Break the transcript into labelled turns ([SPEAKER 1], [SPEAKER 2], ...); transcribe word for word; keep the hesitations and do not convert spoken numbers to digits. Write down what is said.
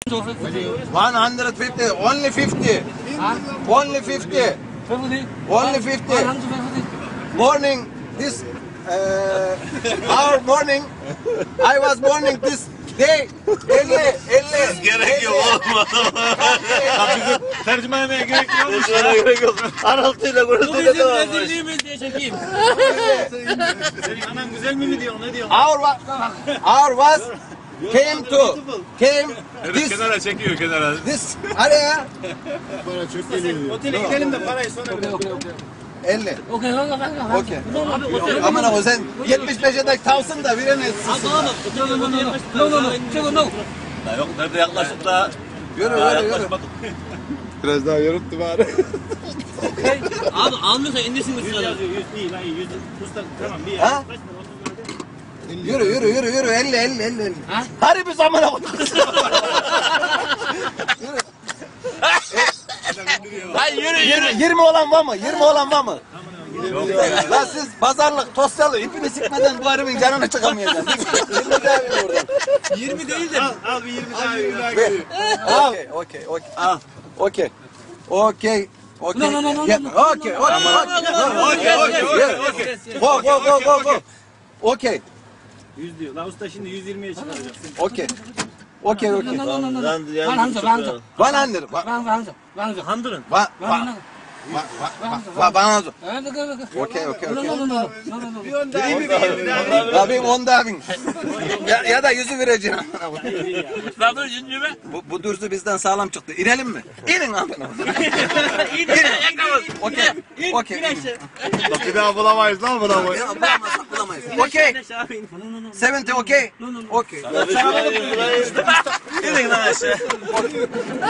[SPEAKER 1] one hundred fifty, only fifty. Only fifty. Only fifty. Morning, this, uh, our morning, I was morning this day, elli, elli.
[SPEAKER 2] Gerek yok oğlum.
[SPEAKER 3] Bizim tercüme etmeye gerek yok.
[SPEAKER 2] Tercüme gerek yok. Araltıyla
[SPEAKER 4] Bu
[SPEAKER 2] konuştuğuyla
[SPEAKER 4] bizim
[SPEAKER 2] devam.
[SPEAKER 4] rezilliğimiz diye çekeyim.
[SPEAKER 3] Senin anan güzel mi diyor, ne diyor?
[SPEAKER 1] Our, wa- our was came to, came
[SPEAKER 3] Evet,
[SPEAKER 1] this,
[SPEAKER 3] kenara çekiyor kenara.
[SPEAKER 1] this area,
[SPEAKER 3] Otele gidelim de parayı sonra verelim.
[SPEAKER 1] elli.
[SPEAKER 4] Okey, okey, okey.
[SPEAKER 1] Okey.
[SPEAKER 4] Abi otel.
[SPEAKER 1] Aman abi sen yetmiş beşe de tavsın da veremezsin.
[SPEAKER 4] Abi oğlum. No no no no. No no no. Çeko no.
[SPEAKER 2] Ya yok nerede yaklaşık da.
[SPEAKER 1] Yürü
[SPEAKER 2] Daha
[SPEAKER 1] yürü yürü.
[SPEAKER 2] yaklaşmadık.
[SPEAKER 5] Biraz daha yorulttu bari.
[SPEAKER 4] Abi almıyorsa indirsin bu
[SPEAKER 3] yüz
[SPEAKER 4] sırada.
[SPEAKER 3] yazıyor, yüz değil, hayır, yüz. Usta, tamam, bir
[SPEAKER 1] Ha?
[SPEAKER 3] kaç para, otuz lira.
[SPEAKER 1] Yürü yürü yürü yürü elli elli elli elli.
[SPEAKER 4] Ha?
[SPEAKER 1] Hadi bir zamana koyduk.
[SPEAKER 2] Lan yürü yürü.
[SPEAKER 1] yirmi olan var mı? yirmi olan var mı? Lan siz pazarlık, tosyalı ipini sikmeden bu harbin canını çıkamayacaksın. yirmi daha bir oradan.
[SPEAKER 4] yirmi değil de.
[SPEAKER 3] Al, al bir yirmi daha, yirmi daha geliyor.
[SPEAKER 1] Okey, okey, okey. Al. Okey. Okey. Okey.
[SPEAKER 4] No, no, no, no,
[SPEAKER 1] Yeah,
[SPEAKER 4] no,
[SPEAKER 1] Okey, okey, okey.
[SPEAKER 2] Okey okey okey.
[SPEAKER 1] Go, go, go, go, go. Okey,
[SPEAKER 3] yüz diyor. La usta şimdi yüz yirmiye çıkaracaksın.
[SPEAKER 1] okey. Okey,
[SPEAKER 4] No
[SPEAKER 1] okey.
[SPEAKER 4] no no no no.
[SPEAKER 2] Lan yan-
[SPEAKER 4] Van Hamza, Van Hamza.
[SPEAKER 1] one hundred. One,
[SPEAKER 4] Van Van Hamza. Van Hamza.
[SPEAKER 3] Handırın.
[SPEAKER 1] one,
[SPEAKER 4] Van
[SPEAKER 1] one,
[SPEAKER 4] Hamza.
[SPEAKER 1] one, one hundred.
[SPEAKER 4] Evet, okey, okey.
[SPEAKER 1] Okey, okey,
[SPEAKER 4] No
[SPEAKER 1] okey.
[SPEAKER 4] no no no. No no no.
[SPEAKER 3] Bir on daha, bir yirmi daha.
[SPEAKER 1] Ya bir on daha bin. ya, ya da yüzü vereceğim.
[SPEAKER 4] Lan dur yüzünü be.
[SPEAKER 1] Bu, bu dürüstü bizden sağlam çıktı. İnelim mi? İnin amına.
[SPEAKER 4] İn yakamaz.
[SPEAKER 1] Okey.
[SPEAKER 4] İn.
[SPEAKER 1] Okey.
[SPEAKER 4] İn aşağı.
[SPEAKER 5] Bak bir daha bulamayız lan bulamayız.
[SPEAKER 1] Ya bulamazsak bulamayız. Okey. seventy okey. Okey.
[SPEAKER 2] İnin lan aşağı.